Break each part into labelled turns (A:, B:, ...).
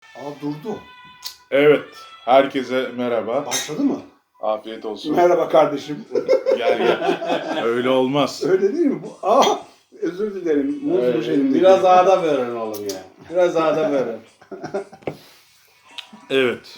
A: Aa durdu.
B: Evet, herkese merhaba.
A: Başladı mı?
B: Afiyet olsun.
A: Merhaba kardeşim.
B: Gel gel. Öyle olmaz.
A: Öyle değil mi? Özür dilerim. Muzmuş elimde.
C: Biraz ağda verin oğlum ya. Biraz ağda verin.
B: Evet.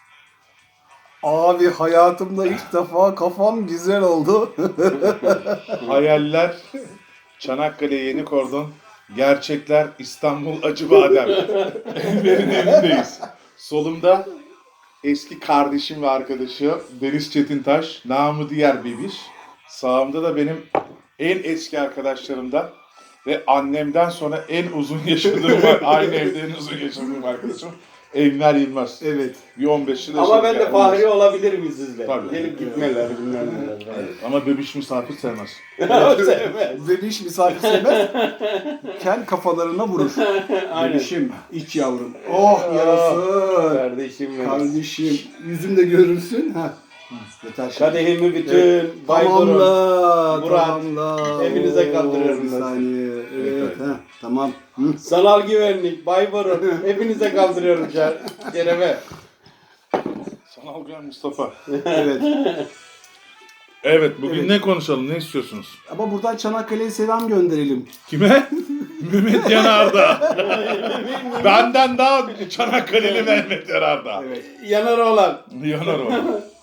A: Abi hayatımda ilk defa kafam güzel oldu.
B: Hayaller Çanakkale Yeni Kordon. Gerçekler İstanbul Acıbadem. Enver'in evindeyiz. Solumda eski kardeşim ve arkadaşı Deniz Çetintaş, namı diğer Bebiş. Sağımda da benim en eski arkadaşlarımdan ve annemden sonra en uzun yaşadığım, aynı evde en uzun yaşadığım arkadaşım Enver Yılmaz.
A: Evet.
B: Bir 15 yıl
C: Ama ben
B: yaşadık
C: de
B: yani.
C: Fahri olabilirim sizle.
B: Tabii.
C: Gelip gitmeler bilmem neler.
B: Evet. Ama Bebiş misafir sevmez.
C: Sevmez.
A: Bebiş misafir sevmez. Kel kafalarına vurur.
C: Aynen.
A: Bebişim, iç yavrum. Oh yarası.
C: Kardeşim benim.
A: Kardeşim, yüzümde görürsün. Ha. Yeter şimdi.
C: Kadehimi bütün Bayburun.
A: Tamamla,
C: Murat,
A: tamamla.
C: hepinize kaldırıyorum
A: Bir
C: ben.
A: saniye. Evet,
B: Evet.
A: ha, tamam. Hı.
C: Sanal güvenlik, Bayburun. Hepinize kaldırıyorum Kerem'e.
B: Sanal Güven Mustafa.
A: Evet.
B: Evet, bugün
A: Evet.
B: ne konuşalım, ne istiyorsunuz?
A: Ama buradan Çanakkale'ye selam gönderelim.
B: Kime? Mehmet Yanardağ. Benden daha Çanakkale'li Mehmet Yanardağ.
A: Evet.
C: Yanar olan.
B: Yanar o.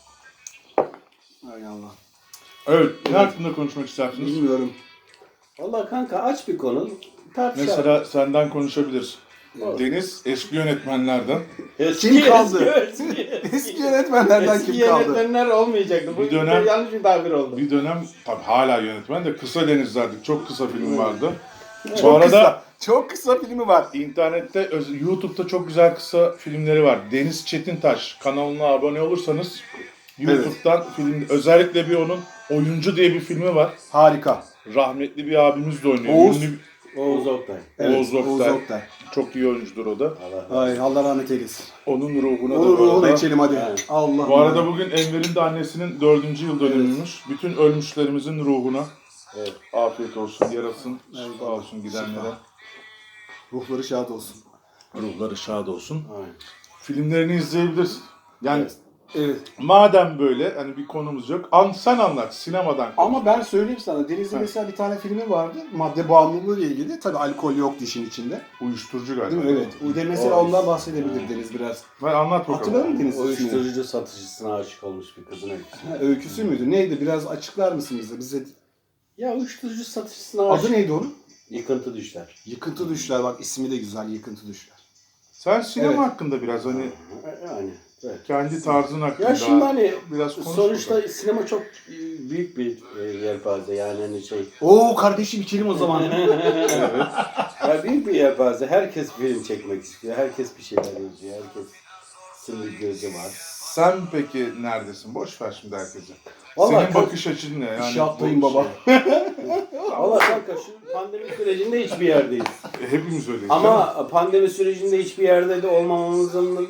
A: Hay Allah.
B: Evet, ne hakkında konuşmak istersiniz?
A: Bilmiyorum.
C: Valla kanka aç bir konu. Tartışalım.
B: Mesela senden konuşabiliriz.
C: Olur.
B: Deniz eski yönetmenlerden.
A: Kim kaldı?
C: Eski,
A: Eski yönetmenlerden
C: eski
A: kim kaldı?
C: yönetmenler olmayacaktı. Bu
B: Bir dönem-
C: yanlış bir tabir oldu.
B: Bir dönem tabii hala yönetmen de Kısa Denizler'di. Çok kısa film vardı. Bu
A: Çok
B: arada
A: kısa. Çok kısa filmi var.
B: internette, YouTube'da çok güzel kısa filmleri var. Deniz Çetintaş kanalına abone olursanız YouTube'dan film, özellikle bir onun Oyuncu diye bir filmi var.
A: Harika.
B: Rahmetli bir abimiz de oynuyor.
A: Oğuz.
B: Ünlü
C: Oğuz Oktay.
B: Oğuz Oktay.
A: Oğuz Oktay.
B: Çok iyi oyuncudur o da.
C: Allah.
A: Ay Allah rahmet eylesin.
B: Onun ruhuna
A: Onun
B: da bu
A: ruhuna
B: arada.
A: içelim hadi.
C: Evet.
A: Allah.
B: Bu arada bugün Enver'in de annesinin 4. yıl dönümüymüş. Bütün ölmüşlerimizin ruhuna
C: Evet.
B: afiyet olsun, yarasın, şifa
A: Eyvallah.
B: olsun gidenlere.
A: Ruhları şad olsun.
B: Ruhları şad olsun.
C: Aynen.
B: Filmlerini izleyebilirsin. Yani
A: Evet.
B: madem böyle hani bir konumuz yok, sen anlat sinemadan.
A: Ama ben söyleyeyim sana. Deniz'in mesela bir tane filmi vardı. Madde bağımlılığı ile ilgili. Tabii alkol yoktu işin içinde.
B: Uyuşturucu galiba.
A: Değil mi? Evet. O da mesela
C: O-
A: ondan bahsedebilir Deniz biraz.
B: Ben anlat bakalım.
A: Hatırlar mısın Deniz?
C: Uyuşturucu satıcısına aşık olmuş bir kızın öyküsü.
A: Ha, öyküsü müydü? Neydi? Biraz açıklar mısın bize?
C: Ya uyuşturucu satıcısına aşık.
A: Adı neydi onun?
C: Yıkıntı düşler.
A: Yıkıntı Düşler. Bak ismi de güzel. Yıkıntı Düşler.
B: Sen sinema
A: Evet.
B: hakkında biraz hani
C: Yani. Evet.
B: kendi tarzın hakkında
C: Ya şimdi hani
B: biraz konuş
C: sonuçta
B: bakalım.
C: sinema çok büyük bir yelpaze yani hani şey.
A: Oo kardeşim içelim o zaman.
B: Evet.
C: Ya büyük bir yelpaze. Herkes film çekmek istiyor. Herkes bir şeyler yazıyor. Herkesin bir gözü var.
B: Sen peki neredesin? Boş ver şimdi herkese.
C: Vallahi
B: Senin bakış açın ne? Yani
A: İş yaptayım
B: bu
A: baba.
C: Valla kanka şu pandemi sürecinde hiçbir yerdeyiz.
B: Hepimiz öyleyiz.
C: Ama pandemi sürecinde hiçbir yerde de olmamamızın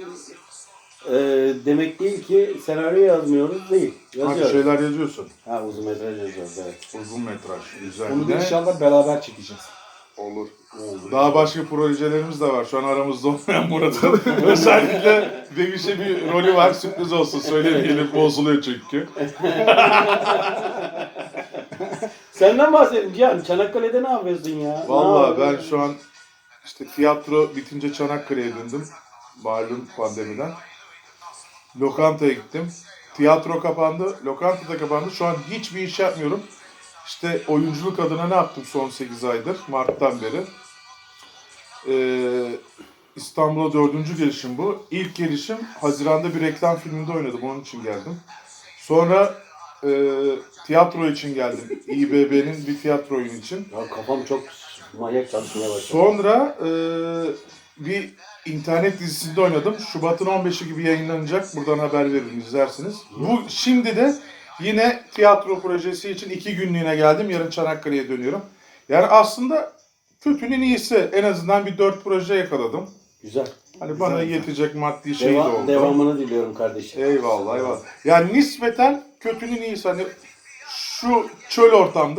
C: demek değil ki senaryo yazmıyoruz değil.
B: Hadi
C: Yazıyoruz.
B: şeyler yazıyorsun.
C: Ha uzun metraj yazıyoruz evet.
B: Uzun metraj. Güzel.
A: Onu da
B: Ne?
A: inşallah beraber çekeceğiz.
B: Olur.
C: Oldu.
B: Daha başka projelerimiz de var. Şu an aramızda olmayan Murat'ın. Özellikle Bebiş'e bir rolü var. Sürpriz olsun. Söylemeyelim. Bozuluyor çünkü.
C: Senden bahsedeyim Cihan. Çanakkale'de ne yapıyorsun ya?
B: Vallahi ben şu an işte tiyatro bitince Çanakkale'ye döndüm. Malum pandemiden. Lokantaya gittim. Tiyatro kapandı. Lokanta da kapandı. Şu an hiçbir iş yapmıyorum. İşte oyunculuk adına ne yaptım son 8 aydır? Mart'tan beri. İstanbul'a 4. gelişim bu. İlk gelişim Haziran'da bir reklam filminde oynadım. Onun için geldim. Sonra tiyatro için geldim. İBB'nin bir tiyatro oyunu için.
C: Ya kafam çok manyak çalışmaya başladı.
B: Sonra bir internet dizisinde oynadım. Şubat'ın 15'i gibi yayınlanacak. Buradan haber veririm, izlersiniz. Bu şimdi de yine tiyatro projesi için 2 günlüğüne geldim. Yarın Çanakkale'ye dönüyorum. Yani aslında kötünün iyisi. En azından bir 4 proje yakaladım.
C: Güzel.
B: Hani bana
A: Güzel.
B: yetecek maddi şey de oldu.
C: Devamını diliyorum kardeşim.
B: Eyvallah eyvallah. Yani nispeten kötünün iyisi. Hani şu çöl ortamda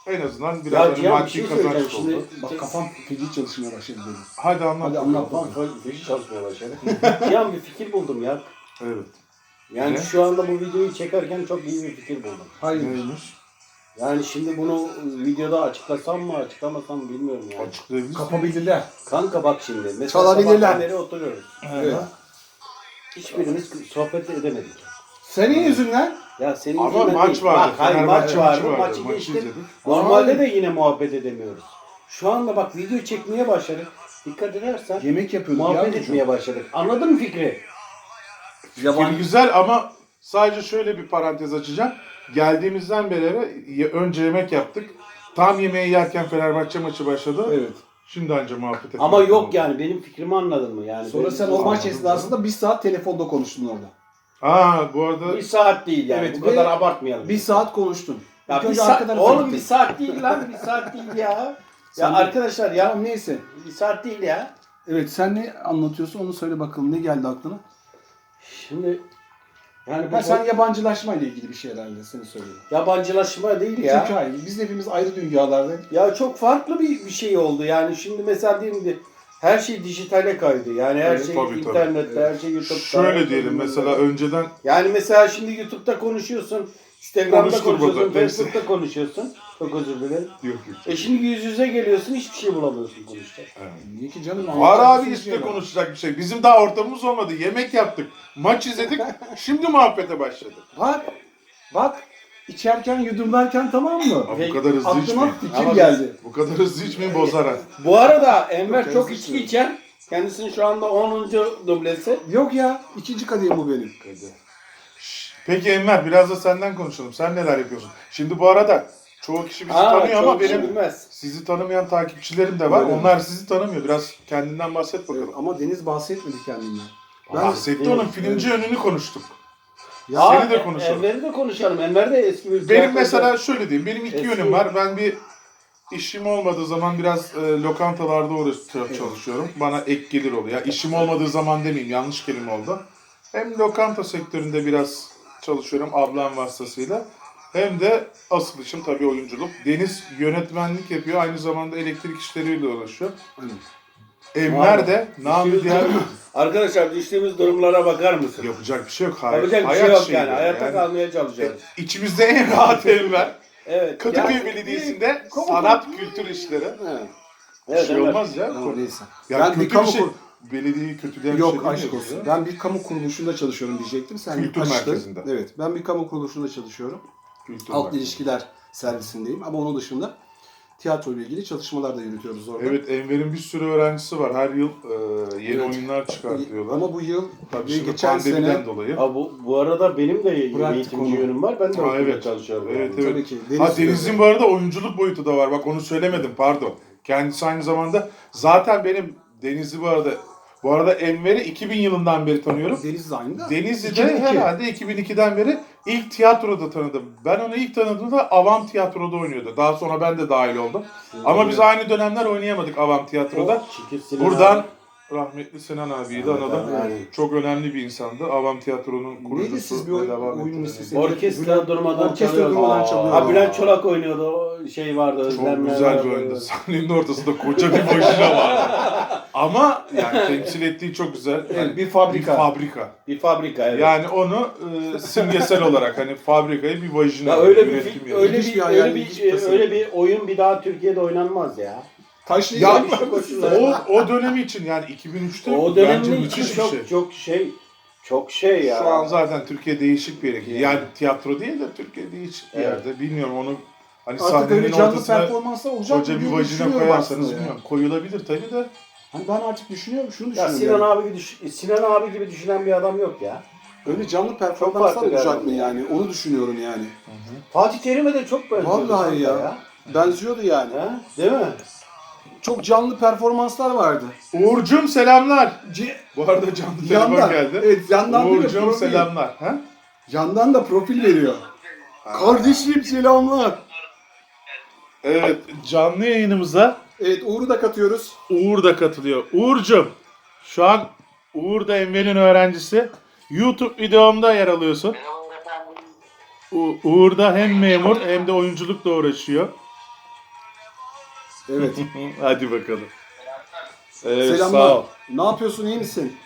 B: En azından
C: Ya
B: biraz hani
C: Cihan bir
B: maddi
C: şey
B: kazanç
C: söyleyeceğim
B: oldu.
C: şimdi.
A: Bak kafam feci çalışmaya başladı benim.
B: Hadi anlat.
A: Hadi anlat
C: Tamam,
A: bakalım.
C: feci çalışmaya başladı. Cihan bir fikir buldum ya.
B: Evet.
C: Yani
B: Ne?
C: şu anda bu videoyu çekerken çok iyi bir fikir buldum.
A: Hayır.
B: Neymiş?
C: Yani şimdi bunu videoda açıklasam mı açıklamasam mı bilmiyorum yani.
B: Açıklayabilir misin?
A: Kapabilirler.
C: Kanka bak şimdi. Mesela
A: Çalabilirler.
C: sabahtan beri oturuyoruz.
A: Evet.
C: Hiçbirimiz sohbet edemedik.
A: Senin yüzünden
C: Ya senin
B: Ama
C: yüzünden
B: maç
C: değil.
B: vardı.
C: Bak, hayır maç
B: Fenerbahçe
C: vardı.
B: maçı vardı.
C: Maçı
B: Maçı
C: geçtim.
B: izledik.
C: Normalde de yine muhabbet edemiyoruz. Şu anda bak video çekmeye başladık. Dikkat edersen
A: yemek yapıyorduk.
C: muhabbet
A: yavrucuğum.
C: etmeye başladık. Anladın mı fikri?
B: Fikir güzel ama sadece şöyle bir parantez açacağım. Geldiğimizden beri önce yemek yaptık. Tam yemeği yerken Fenerbahçe maçı başladı.
A: Evet.
B: Şimdi anca muhabbet ettik.
C: Ama yok yani benim fikrimi anladın mı? Yani
A: Sonra
C: benim-
A: sen o maç
B: Anladım.
A: esnasında 1 saat telefonda konuştun orada.
B: Bu arada
C: bir saat değil yani.
A: Evet,
C: Bu kadar
A: ve
C: abartmayalım.
A: 1 saat konuştun.
C: Ya
A: İlk
C: bir
A: önce
C: saat,
A: arkadan
C: oğlum
A: gittin.
C: bir saat değil lan. Bir saat değil ya.
A: Sen
C: Ya
A: de-
C: arkadaşlar ya
A: Tamam neyse.
C: bir saat değil ya.
A: Evet sen ne anlatıyorsun onu söyle bakalım. Ne geldi aklına?
C: Şimdi yani
A: Ha, sen yabancılaşma ile ilgili bir şey herhalde seni söylüyorum.
C: yabancılaşma değil ya.
A: Çünkü hayır biz hepimiz ayrı dünyalarda.
C: Ya çok farklı bir şey oldu. Yani şimdi mesela diyelim ki her şey dijitale kaydı. Yani her
A: Evet,
C: şey
B: tabii, tabii.
C: internette, her şey YouTube'da.
B: şöyle diyelim mesela önceden
C: Yani mesela şimdi YouTube'da konuşuyorsun, Instagram'da
B: Konuştur
C: konuşuyorsun,
B: burada, neyse.
C: Facebook'ta konuşuyorsun. Çok özür dilerim.
B: yok.
C: Şimdi yüz yüze geliyorsun, hiçbir şey bulamıyorsun konuşacak.
A: Niye ki canım?
B: Var
A: anlatacak
B: abi
A: bir sürü
B: işte
A: şey var.
B: konuşacak bir şey. Bizim daha ortamımız olmadı. Yemek yaptık. Maç izledik. Şimdi muhabbete başladık.
A: Bak içerken yudumlarken tamam mı?
B: Abi bu kadar hızlı
A: Aklıma
B: içmeyin.
A: fikir
C: Ama
A: geldi.
B: Bu kadar hızlı içmeyin bozar ha.
C: Bu arada Enver
A: Çok
C: çok
A: hızlı
C: içki içer. Kendisinin şu anda 10. dublesi.
A: Yok ya ikinci kadehim bu benim.
B: Peki Enver biraz da senden konuşalım. Sen neler yapıyorsun? Şimdi bu arada çoğu kişi bizi tanıyor ama
C: çok kişi
B: benim
C: bilmez.
B: sizi tanımayan takipçilerim de var.
A: Öyle mi?
B: Onlar sizi tanımıyor. Biraz kendinden bahset bakalım.
A: Ama Deniz bahsetmedi kendinden.
B: Bahsetti onun filmci yönünü konuştuk.
A: Ya,
B: Seni de konuşalım.
C: Enver'i de konuşalım. Enver de eski bir
B: Benim
C: tiyatrocu.
B: mesela şöyle diyeyim. Benim iki
C: Eski-
B: yönüm var. Ben bir işim olmadığı zaman biraz lokantalarda çalışıyorum. Bana ek gelir oluyor. Ya işim olmadığı zaman demeyeyim. Yanlış kelime oldu. Hem lokanta sektöründe biraz çalışıyorum ablam vasıtasıyla. Hem de asıl işim tabii oyunculuk. Deniz yönetmenlik yapıyor. Aynı zamanda elektrik işleriyle uğraşıyor. Enver de namı diğer
C: Arkadaşlar düştüğümüz durumlara bakar mısın?
B: yapacak bir şey yok. Hayır.
C: Yapacak bir şey
B: Hayat
C: yok
B: şeyi
C: yani.
B: böyle.
C: Hayatta kalmaya çalışıyoruz.
B: İçimizde en rahat Enver.
C: Evet.
B: Kadıköy
C: Yani-
B: Belediyesi'nde sanat kültür işleri.
C: Evet.
B: Bir
C: Evet,
B: şey
C: Enver.
B: olmaz ya.
A: Tamam, neyse.
B: Ya
A: Ben bir
B: kötü
A: kamu
B: bir şey.
A: kur-
B: Belediyeyi kötüleyen
A: Yok
B: bir şey
A: aşk
B: değil mi
A: olsun.
B: ya?
A: Ben bir kamu kuruluşunda çalışıyorum diyecektim. Sen
B: Kültür
A: açtın.
B: merkezinde.
A: Evet. Ben bir kamu kuruluşunda çalışıyorum.
B: Kültür
A: Halk
B: merkezi.
A: ilişkiler servisindeyim. Ama onun dışında tiyatro ile ilgili çalışmalar da yürütüyoruz orada.
B: Evet Enver'in bir sürü öğrencisi var. Her yıl yeni
A: Evet.
B: oyunlar çıkartıyorlar.
A: Ama bu yıl
B: Tabii
A: ve
B: şimdi
A: geçen
B: pandemiden
A: sene
B: dolayı.
C: Ha, bu arada benim de
A: Bıraktık
C: eğitimci
A: onu.
C: yönüm var. Ben de
B: Ha,
C: okulda
B: evet.
C: çalışıyorum.
B: Evet,
C: yani.
B: evet.
A: tabii ki
B: Deniz'in bu arada oyunculuk boyutu da var. Bak onu söylemedim pardon. Kendisi aynı zamanda zaten benim Deniz'i bu arada Enver'i 2000 yılından beri tanıyorum.
A: Deniz de aynı da.
B: Deniz'i de
A: 2002.
B: herhalde 2002'den beri ilk tiyatroda tanıdım. Ben onu ilk tanıdığımda Avam Tiyatro'da oynuyordu. Daha sonra ben de dahil oldum. Ama biz aynı dönemler oynayamadık Avam Tiyatro'da.
C: Çünkü Sinan
B: Buradan
C: abi-
B: rahmetli Sinan abiyi de
C: Evet,
B: analım.
C: yani.
B: Çok önemli bir insandı. Avam Tiyatro'nun
A: Neydi
B: kurucusu
A: siz bir
B: ve devam
A: oyun
B: ettiren.
A: ismi?
C: Orkestra durmadan
A: Orkestra
C: çalıyordu.
A: durmadan
C: Aa.
A: çalıyordu.
C: Ha Bülent Çolak oynuyordu. O şey vardı.
B: Çok
C: Özlemler
B: güzel
C: vardı.
B: bir oyundu. Sahnenin ortasında koca bir vajina vardı. Ama yani temsil ettiği çok güzel.
A: Evet,
B: Yani
A: bir fabrika.
B: Bir fabrika.
C: Bir fabrika evet.
B: Yani onu simgesel olarak hani fabrikayı bir vajina
C: Ya öyle bir
B: yönetim
C: öyle
B: yapıyor.
A: İlginç
C: bir
A: bir hayal,
C: öyle
A: ilginç
C: bir
A: tasarım.
C: öyle bir oyun bir daha Türkiye'de oynanmaz ya.
A: Taşlayacak
B: Ya
A: mı?
B: o dönemi için yani 2003'te
C: O
B: bence
C: dönemin için
B: müthiş bir
C: çok
B: şey.
C: çok şey ya.
B: Şu an zaten Türkiye değişik bir yere gidiyor.
C: Yani.
B: Yani tiyatro değil de Türkiye değişik bir
C: Evet.
B: yerde. Bilmiyorum onu hani
A: Artık
B: sahnenin
A: öyle canlı
B: ortasına
A: performanslar olacak
B: koca
A: mı
B: bir
A: diye
B: vajina
A: düşünüyorum
B: koyarsanız
A: aslında ya.
B: bilmiyorum. Koyulabilir tabii de.
A: Hani ben artık düşünüyorum, şunu
C: Ya
A: düşünüyorum.
C: Sinan abi gibi düşünen bir adam yok ya.
A: Öyle canlı
C: Çok
A: performanslar
C: farklı
A: olacak
C: yani.
A: mı yani? Onu düşünüyorum yani.
C: Fatih Terim'e de çok benziyor.
A: Vallahi ya. Benziyordu yani.
C: Ha? Değil mi?
A: Çok canlı performanslar vardı.
B: Uğur'cum selamlar. Bu arada canlı telefon
A: Yandan.
B: geldi.
A: Evet, yandan değil mi?
B: Uğur'cum
A: Profil.
B: selamlar. Ha?
A: Yandan da profil veriyor. Kardeşim selamlar.
B: Evet canlı yayınımıza
A: Evet Uğur'u da katıyoruz.
B: Uğur da katılıyor. Uğur'cum şu an Uğur da Enver'in öğrencisi. YouTube videomda yer alıyorsun. Uğur da hem memur hem de oyunculukla uğraşıyor.
A: Evet.
B: Hadi bakalım. Evet,
A: Selamlar.
B: sağ ol.
A: Ne yapıyorsun, iyi misin?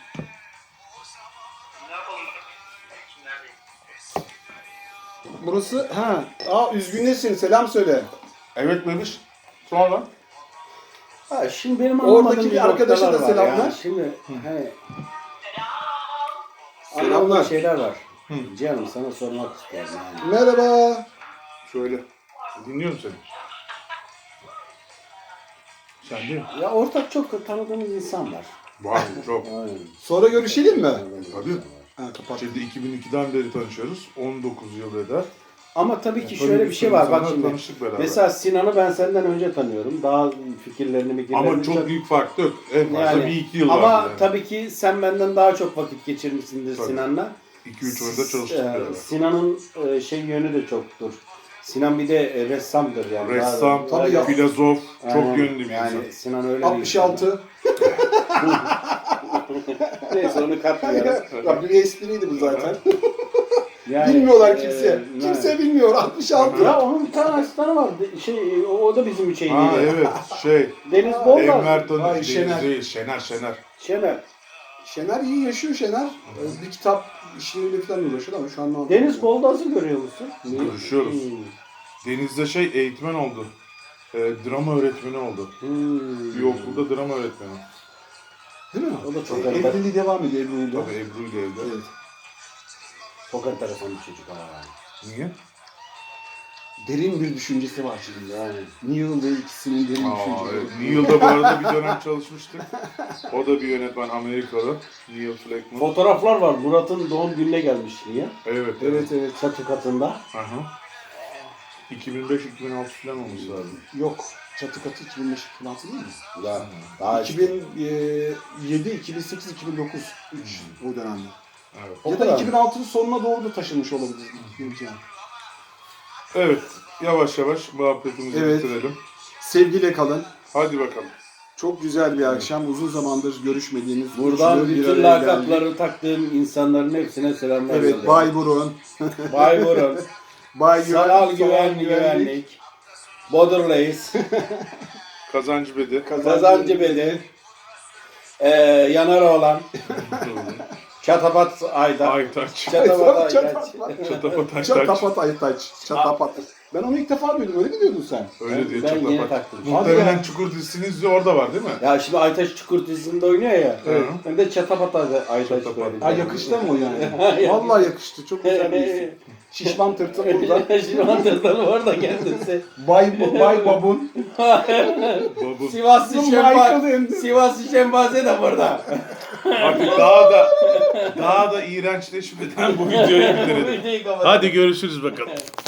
A: Burası, üzgünlesin, selam söyle.
B: Evet bebiş. Sonra?
C: Ha, şimdi benim
A: Oradaki
C: anlamadığım
A: bir arkadaşa
C: noktalar
A: da
C: var
A: selamlar.
C: yani. Şimdi hani
A: Selamlar.
C: anlamadığım şeyler var. Canım sana sormak istiyorum yani.
A: Merhaba.
B: Şöyle. Dinliyorum seni. Sen değil mi?
C: Ya ortak çok tanıdığımız insan var.
B: Var çok.
C: Aynen.
A: Sonra görüşelim mi?
B: Tabii.
A: Ha, kapat.
B: Şimdi 2002'den beri tanışıyoruz. 19 yıl eder.
C: Ama tabii ki
B: Tabii
C: şöyle bir
B: bir
C: şey
B: sürü
C: var bak
B: insanla
C: şimdi.
B: tanıştık beraber.
C: Mesela Sinan'ı ben senden önce tanıyorum. Daha fikirlerini
B: Ama çok büyük fark yok. En fazla
C: yani,
B: bir iki yıl
C: ama
B: vardı yani.
C: tabii ki sen benden daha çok vakit geçirmişsindir
B: Tabii.
C: Sinan'la.
B: 2-3 oyunda çalıştık beraber.
C: Sinan'ın şey yönü de çoktur. Sinan bir de ressamdır yani.
B: Ressam,
A: Tabii ya.
B: filozof,
C: Aynen.
B: çok yönlü bir
C: yani
B: insan.
C: Sinan öyle bir
A: 66.
C: insan. Neyse onu katmayalım.
A: Ya bir espriydi bu zaten.
C: Yani,
A: Bilmiyorlar kimse.
C: yani.
A: Kimse bilmiyor. 66.
C: Ya onun bir tane asistanı vardı. Şey, o da bizim şeydi.
B: Ha evet
C: Deniz Boldar.
B: Enver Tanı
A: Ay,
B: değil,
A: Şener.
B: değil, Şener.
C: Şener.
A: Şener iyi yaşıyor Şener. Bir kitap işleriyle falan uğraşıyor ama şu an ne yapıyor?
C: Deniz Boldaz'ı görüyor musun?
B: Görüşüyoruz. Deniz'de eğitmen oldu. Drama öğretmeni oldu. Bir okulda drama öğretmeni.
A: Değil mi?
C: O da çok
A: Evliliği devam ediyor Ebru'yla.
B: Tabii Ebru ile evde.
A: Evet.
C: Çok enteresan bir çocuk ama yani.
B: Niye?
A: Derin bir düşüncesi var şimdi.
C: Yani.
A: Neil ve ikisinin derin düşünceleri.
B: Evet. Neil'da bu arada bir dönem çalışmıştık. O da bir yönetmen Amerikalı. Neil Fleckman.
C: Fotoğraflar var. Murat'ın doğum gününe gelmiş niye?
B: Evet.
A: Evet.
C: Çatı katında.
B: Aha. 2005-2006 falan olmuş lazım.
A: Yok. Çatı katı 2005-2006 değil mi?
C: Ya, daha
A: 2007, 2008, 2009. 3 o dönemde.
B: Evet.
C: O
A: Ya da
C: kadar.
A: 2006'nın sonuna doğru da taşınmış olabilir. Yani.
B: Evet. Yavaş yavaş muhabbetimizi
A: Evet.
B: bitirelim.
A: Sevgiyle kalın.
B: Hadi bakalım.
A: Çok güzel bir akşam. Uzun zamandır görüşmediğimiz
C: buradan
A: üçlü bir
C: bütün
A: araya geldik.
C: lakapları taktığım insanların hepsine selamlar
A: Evet,
C: yolluyorum.
A: Bay Burun,
C: Bay Burun.
A: Bay
C: Sanal güvenlik. Bodur'layız.
B: Kazancı Bedi.
C: Kazancı Bedi. Yanaroğlan. Çatapat Ayda.
B: Aytaç.
C: Çatapat Aydaç.
B: Çatapat Aytaç.
A: Çatapat Aytaç. Çatapat. Ben onu ilk defa duydum. Öyle mi diyordun sen?
B: Öyle diyor
C: Ben yeni
B: Çatapat.
C: taktım.
B: Muhtemelen
A: Hadi
B: Çukur dizisinin izliği orada var değil mi?
C: Ya şimdi Aytaç Çukur dizisinde oynuyor ya.
B: Evet.
C: Ben de Çatapat Aydaç
B: Çatapat.
C: söyledim.
A: Ha yakıştı mı o yani? Vallahi yakıştı. Çok güzel bir isim. Şişman tırtıl burada.
C: Şimdi antrenörü orada kendisi.
A: Bay Babun.
B: Babu.
C: Sivaslı
A: Michael Ender.
C: Sivaslı Şembaze de burada.
B: Artık daha da iğrençleşmeden bu videoyu bitirelim.
C: Videoyu kapat.
B: Hadi görüşürüz bakalım.